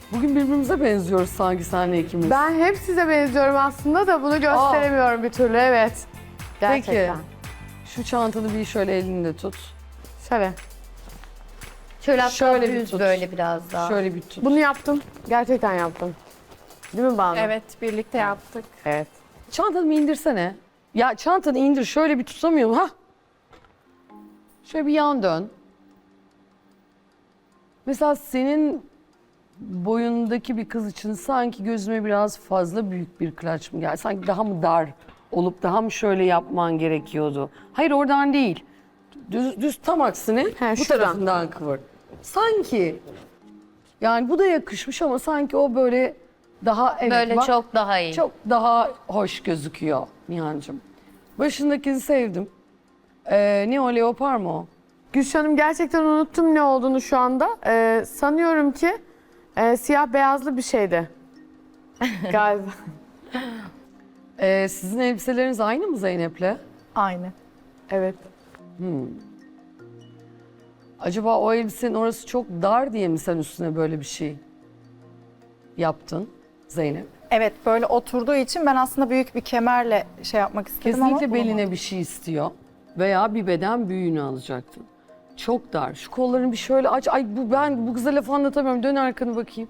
Bugün birbirimize benziyoruz sanki senle ikimiz. Ben hep size benziyorum aslında da bunu gösteremiyorum bir türlü, evet. Gerçekten. Peki, şu çantanı bir şöyle elinde tut. Şöyle. Şöyle hatta Şöyle bir düz tut. böyle biraz daha. Şöyle bir tut. Bunu yaptım. Gerçekten yaptım. Değil mi Banu? Evet, birlikte yaptık. Evet. Çantanı bir indirsene. Ya çantanı indir, şöyle bir tutamıyorum. Ha. Şöyle bir yan dön. Mesela senin boyundaki bir kız için sanki gözüme biraz fazla büyük bir klaç mı geldi? Sanki daha mı dar olup daha mı şöyle yapman gerekiyordu? Hayır, oradan değil. Düz tam aksine bu şuradan. tarafından kıvır. Sanki yani bu da yakışmış ama sanki o böyle daha Böyle bak, çok daha iyi. çok daha hoş gözüküyor Nihan'cığım. Başındakini sevdim. Ne o, leopar mı o? Gülşah'ım gerçekten unuttum ne olduğunu şu anda. Sanıyorum ki siyah beyazlı bir şeydi. Galiba. Sizin elbiseleriniz aynı mı Zeynep'le? Aynı. Evet. Acaba o elbisenin orası çok dar diye mi sen üstüne böyle bir şey yaptın Zeynep? Evet, böyle oturduğu için ben aslında büyük bir kemerle şey yapmak istedim ama Kesinlikle beline bulamadım. bir şey istiyor veya bir beden büyüğünü alacaktın. Çok dar. Şu kollarını bir şöyle aç. Ay ben bu kıza laf anlatamıyorum. Dön arkanı bakayım.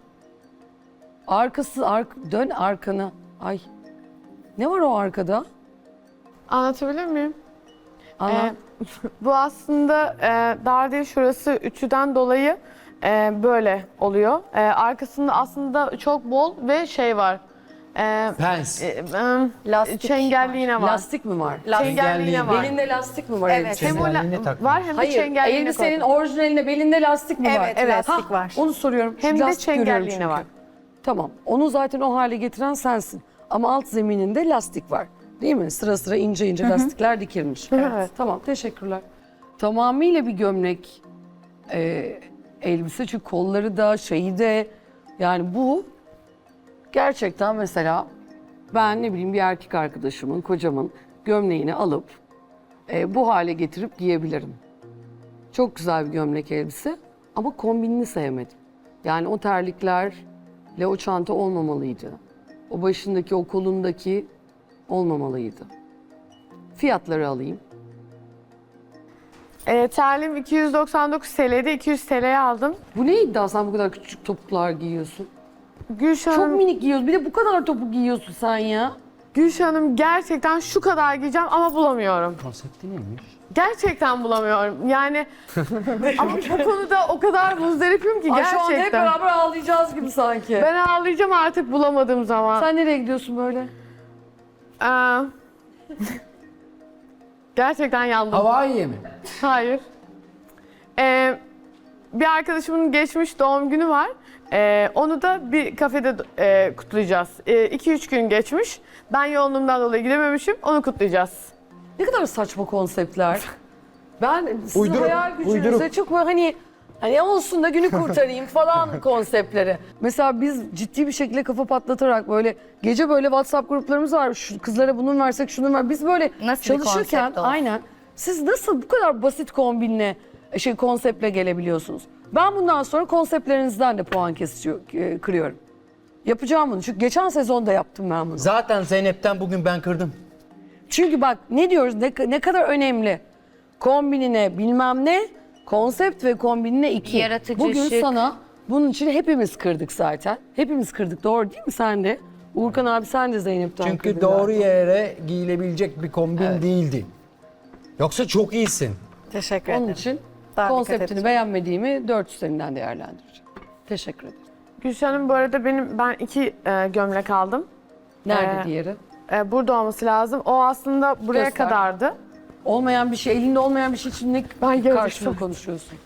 Dön arkanı. Ay. Ne var o arkada? Anlatabilir miyim? Anlat. Bu aslında dar değil, şurası ütüden dolayı böyle oluyor. Arkasında aslında çok bol ve şey var. Pens. Lastik Çengelliğine var. Lastik mi var? Çengelliğine var. Belinde lastik mi var Evet. elbisenin? Hem o Çengelliğine takmış. var hem de Hayır, çengelliğine elbisenin koydum. orijinalinde belinde lastik mi var? Evet, lastik var. Onu soruyorum. Hem de Lastik görüyorum çengelliğine çünkü. var. Tamam. Onu zaten o hale getiren sensin. Ama alt zemininde lastik var. Değil mi? Sıra sıra ince ince lastikler dikilmiş. Evet. Tamam, teşekkürler. Tamamıyla bir gömlek elbise. Çünkü kolları da şeyi de yani bu gerçekten mesela ben ne bileyim bir erkek arkadaşımın, kocamın gömleğini alıp bu hale getirip giyebilirim. Çok güzel bir gömlek elbise ama kombinini sevmedim. Yani o terliklerle o çanta olmamalıydı. O başındaki, o kolundaki olmamalıydı. Fiyatları alayım. Terliğim 299 TL'ydi. 200 TL'ye aldım. Bu ne iddia, sen bu kadar küçük topuklar giyiyorsun? Gülşah Çok Hanım, minik giyiyorsun. Bir de bu kadar topuk giyiyorsun sen ya. Gülşah Hanım gerçekten şu kadar giyeceğim ama bulamıyorum. Konsepti neymiş? Gerçekten bulamıyorum. Yani ama bu konuda o kadar muzdaripim ki Ay şu anda hep gerçekten. beraber ağlayacağız gibi sanki. Ben ağlayacağım artık bulamadığım zaman. Sen nereye gidiyorsun böyle? Aa, gerçekten yandım. Hawaii'ye mi? Hayır. Bir arkadaşımın geçmiş doğum günü var. Onu da bir kafede kutlayacağız. 2-3 gün geçmiş. Ben yoğunluğumdan dolayı gidememişim. Onu kutlayacağız. Ne kadar saçma konseptler. Ben sizin Uyduruk, hayal gücünüze uyduruk. çok böyle hani olsun da günü kurtarayım falan konseptleri. Mesela biz ciddi bir şekilde kafa patlatarak böyle gece böyle WhatsApp gruplarımız var. Şu kızlara bunu versek şunu ver. Biz böyle Nasıl bir çalışırken konsept olsun? aynen. Siz nasıl bu kadar basit kombinle konseptle gelebiliyorsunuz? Ben bundan sonra konseptlerinizden de puan kırıyorum. Yapacağım bunu. Çünkü geçen sezonda yaptım ben bunu. Zaten Zeynep'ten bugün ben kırdım. Çünkü bak ne diyoruz, ne kadar önemli. Kombinine bilmem ne, konsept ve kombinine 2. Yaratıcı, Bugün şık. sana bunun için hepimiz kırdık zaten. Hepimiz kırdık, doğru değil mi sen de? Uğurkan abi sen de Zeynep'ten Çünkü kırdın doğru galiba. yere giyilebilecek bir kombin değildi. Yoksa çok iyisin. Teşekkür Onun ederim. için Daha dikkat konseptini edeceğim. beğenmediğimi 4 üzerinden değerlendireceğim. Teşekkür ederim. Gülşah Hanım bu arada ben 2 gömlek aldım. Nerede Ee, diğeri? Burada olması lazım. O aslında buraya Göster. kadardı. Olmayan bir şey, elinde olmayan bir şey için ne Ben karşılığı görecektim. konuşuyorsun?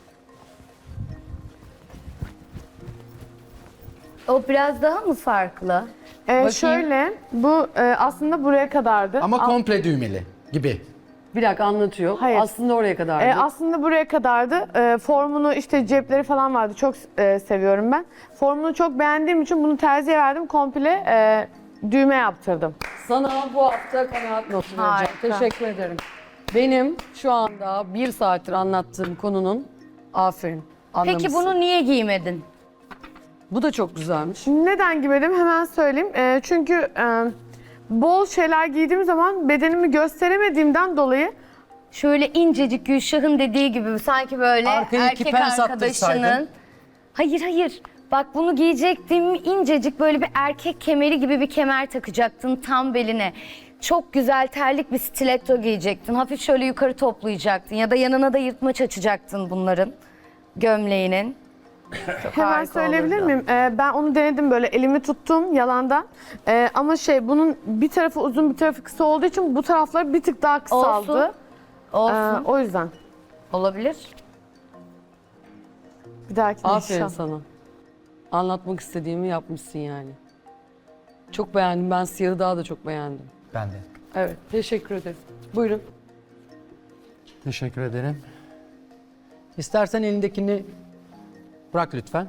O biraz daha mı farklı? Şöyle, bu aslında buraya kadardı. Ama komple düğmeli gibi. Bir dakika anlatıyor. Hayır. Aslında oraya kadar. Aslında buraya kadardı. Formunu işte cepleri falan vardı. Çok seviyorum ben. Formunu çok beğendiğim için bunu terziye verdim. Komple düğme yaptırdım. Sana bu hafta kanaat notu vereceğim. Harika. Teşekkür ederim. Benim şu anda 1 saattir anlattığım konunun aferin. Peki anlamışsın. bunu niye giymedin? Bu da çok güzelmiş. Neden giymedim hemen söyleyeyim. Çünkü bol şeyler giydiğim zaman bedenimi gösteremediğimden dolayı Şöyle incecik Gülşah'ın dediği gibi sanki böyle Arkaya iki erkek pens arkadaşının. attırsaydın. Hayır. Bak bunu giyecektim. İncecik böyle bir erkek kemeri gibi bir kemer takacaktın tam beline. Çok güzel terlik bir stiletto giyecektin. Hafif şöyle yukarı toplayacaktın. Ya da yanına da yırtmaç açacaktın bunların. Gömleğinin. hemen harika söyleyebilir olurdu. miyim? Ben onu denedim böyle elimi tuttum yalandan. Ama bunun bir tarafı uzun bir tarafı kısa olduğu için bu taraflar bir tık daha kısaldı. Olsun. O yüzden. Olabilir. Bir dahaki Aferin sana. Anlatmak istediğimi yapmışsın yani. Çok beğendim. Ben siyahı daha da çok beğendim. Ben de. Evet, teşekkür ederim. Buyurun. Teşekkür ederim. İstersen elindekini bırak lütfen.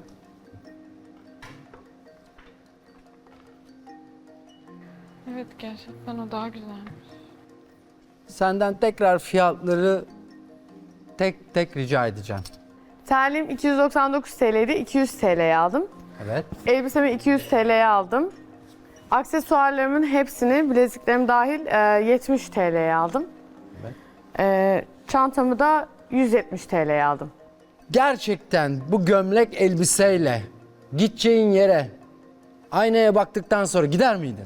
Evet gerçekten o daha güzelmiş. Senden tekrar fiyatları tek tek rica edeceğim. Terliğim 299 TL'ydi. 200 TL'ye aldım. Evet. Elbisemi 200 TL'ye aldım. Aksesuarlarımın hepsini, bileziklerim dahil 70 TL'ye aldım. Çantamı da 170 TL'ye aldım. Gerçekten bu gömlek elbiseyle gideceğin yere aynaya baktıktan sonra gider miydin?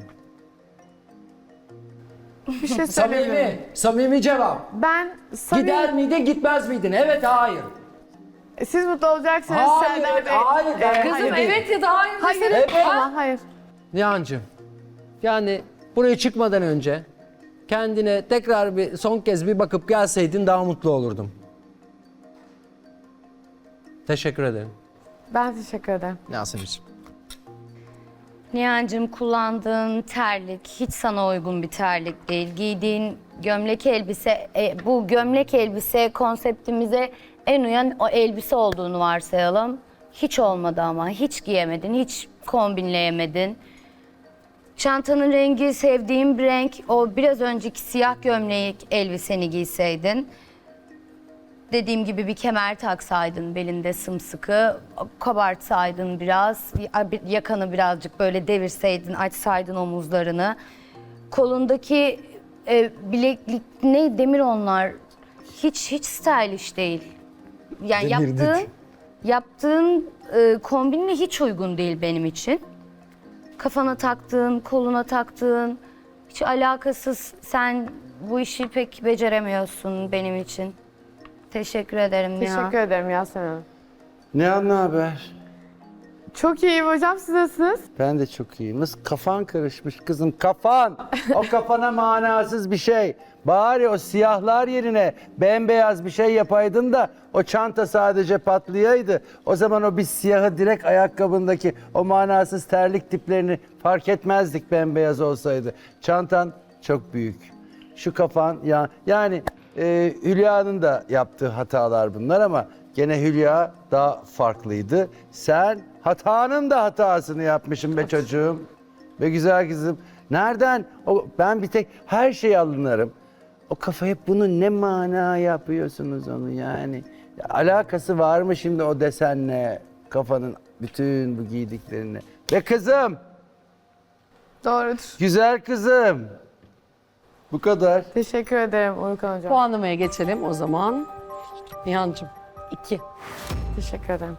Bir şey söyleyeyim mi? Samimi cevap. Ben Gider miydin, gitmez miydin? Evet, hayır. Siz mutlu olacaksınız. Hayır, Serdar Bey. hayır. Kızım evet ya da hayır. Hayır. Evet. Ama hayır. Nihan'cığım, yani buraya çıkmadan önce kendine tekrar bir son kez bir bakıp gelseydin daha mutlu olurdum. Teşekkür ederim. Ben teşekkür ederim. Yasemin'ciğim. Nihan'cığım kullandığın terlik hiç sana uygun bir terlik değil. Giydiğin gömlek elbise, bu gömlek elbise konseptimize en uyan o elbise olduğunu varsayalım. Hiç olmadı ama hiç giyemedin, hiç kombinleyemedin. Çantanın rengi sevdiğim bir renk. O biraz önceki siyah gömlek elbiseni giyseydin. Dediğim gibi bir kemer taksaydın belinde sımsıkı, kabartsaydın biraz, yakanı birazcık böyle devirseydin, açsaydın omuzlarını. Kolundaki bileklik, ne demir onlar, hiç stylish değil. Yani yaptığın kombinle hiç uygun değil benim için. Kafana taktığın, koluna taktığın, hiç alakasız. Sen bu işi pek beceremiyorsun benim için. Teşekkür ederim Nihan. Teşekkür ederim Yasemin Hanım. Ne haber? Çok iyiyim hocam. Siz nasılsınız? Ben de çok iyiyim. Nasıl kafan karışmış kızım, kafan. O kafana manasız bir şey. Bari o siyahlar yerine bembeyaz bir şey yapaydın da o çanta sadece patlayaydı. O zaman o biz siyahı direkt ayakkabındaki o manasız terlik tiplerini fark etmezdik bembeyaz olsaydı. Çantan çok büyük. Şu kafan yani Hülya'nın da yaptığı hatalar bunlar ama gene Hülya daha farklıydı. Sen hatanın da hatasını yapmışsın be çocuğum. Be güzel kızım. Nereden? Ben bir tek her şeye alınırım. O kafa hep bunu ne mana yapıyorsunuz onu yani. Ya, alakası var mı şimdi o desenle kafanın bütün bu giydiklerine? Be kızım, Doğrudur. güzel kızım. Bu kadar. Teşekkür ederim Uykan hocam. Puanlamaya geçelim o zaman. Nihan'cığım 2. Teşekkür ederim.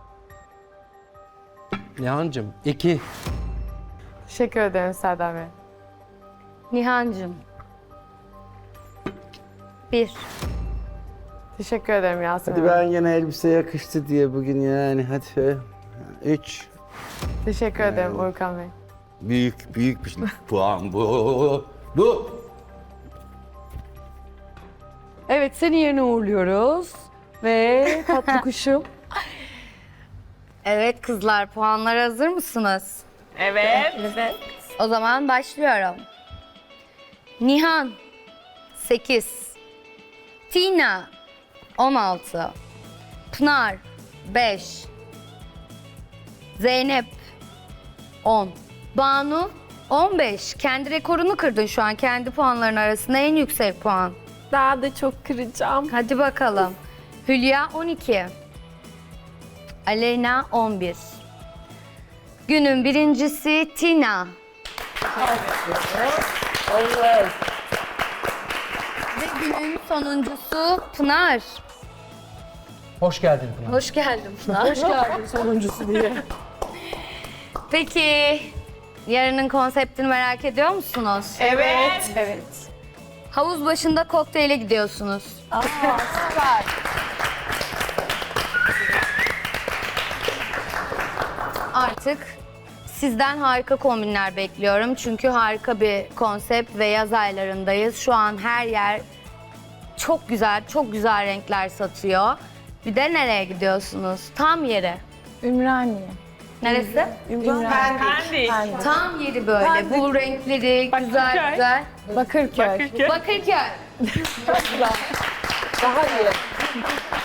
Nihan'cığım 2. Teşekkür ederim Serdar Bey. Nihan'cığım. 1. Teşekkür ederim Yasemin Hadi Hanım. ben yine elbise yakıştı diye bugün yani hadi. 3. Teşekkür ederim Uykan Bey. Büyük bir puan bu. Bu. Evet seni yerine uğurluyoruz. Ve tatlı kuşum. Evet kızlar, puanlara hazır mısınız? Evet. O zaman başlıyorum. Nihan 8, Tina 16, Pınar 5, Zeynep 10, Banu 15. Kendi rekorunu kırdın şu an. Kendi puanların arasında en yüksek puan. Daha da çok kıracağım. Hadi bakalım. Hülya 12, Aleyna 11, Günün birincisi Tina. Ve günün sonuncusu Pınar. Hoş geldin Pınar. Hoş geldin Pınar. Hoş geldin sonuncusu diye. Peki yarının konseptini merak ediyor musunuz? Evet. Havuz başında kokteyle gidiyorsunuz. Artık sizden harika kombinler bekliyorum. Çünkü harika bir konsept ve yaz aylarındayız. Şu an her yer çok güzel, çok güzel renkler satıyor. Bir de nereye gidiyorsunuz? Tam yeri. Ümraniye. Neresi? Pendik. Tam yeri böyle. Bu renkleri güzel güzel. Bakırköy. Bakırköy. Daha iyi.